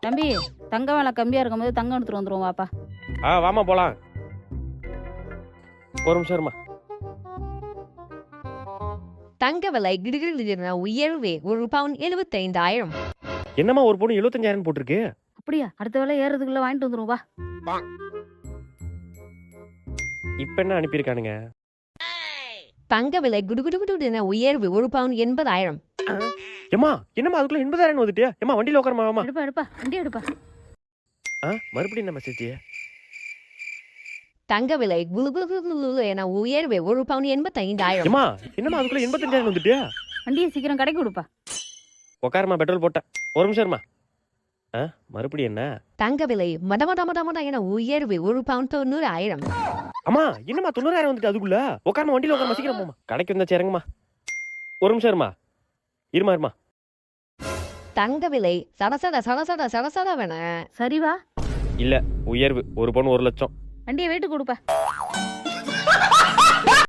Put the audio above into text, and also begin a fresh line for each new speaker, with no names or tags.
தம்பி தங்க வேலை கம்மியா இருக்கும்போது தங்கம் எடுத்துட்டு வந்துருவோம் வாப்பா.
வாமா போலாம். ஒரு நிமிஷம் இருமா.
தங்க விலை கிடுகிடுகிடுன உயர்வே ஒரு பவுன் 75,000.
என்னம்மா ஒரு பொண்ணு 75,000 போட்டிருக்கு?
அப்படியா? அடுத்த வேலை ஏறதுக்குள்ள வாங்கிட்டு வந்துருவோம் வா.
இப்ப என்ன அனுப்பியிருக்கானுங்க?
தங்க விலை குடுகுடுகுடுன உயர்வு ஒரு பவுன் 80,000.
ஏம்மா என்னம்மா அதுக்குள்ள 80,000 வந்துட்டியா? ஏம்மா வண்டியில உட்காரமா?
எடுப்பா வண்டி எடுப்பா.
மறுபடியும் என்ன மெசேஜ்?
தங்க விலை குளுகுளுகுளு என உயர்வே ஒரு பவுன் 85,000.
ஏம்மா என்னம்மா அதுக்குள்ள 85,000 வந்துட்டியா?
வண்டியை சீக்கிரம் கடைக்கு கொடுப்பா.
உட்காரமா, பெட்ரோல் போட்டேன். ஒரு நிமிஷம் இருமா. மறுபடியும் என்ன?
தங்க விலை மட என உயர்வு ஒரு பவுன் 90,000.
அம்மா என்னம்மா 90,000 வந்துட்டு அதுக்குள்ள? உட்காரமா, வண்டியில உட்காரமா, சீக்கிரம் போமா. கடைக்கு வந்தா சேருங்கம்மா. ஒரு நிமிஷம் இருமா.
தங்க விலை சடசடவென
சரி வா.
இல்ல, உயர்வு ஒரு பவுன் 1 லட்சம்.
வண்டியை வெயிட்டு கொடுப்பா.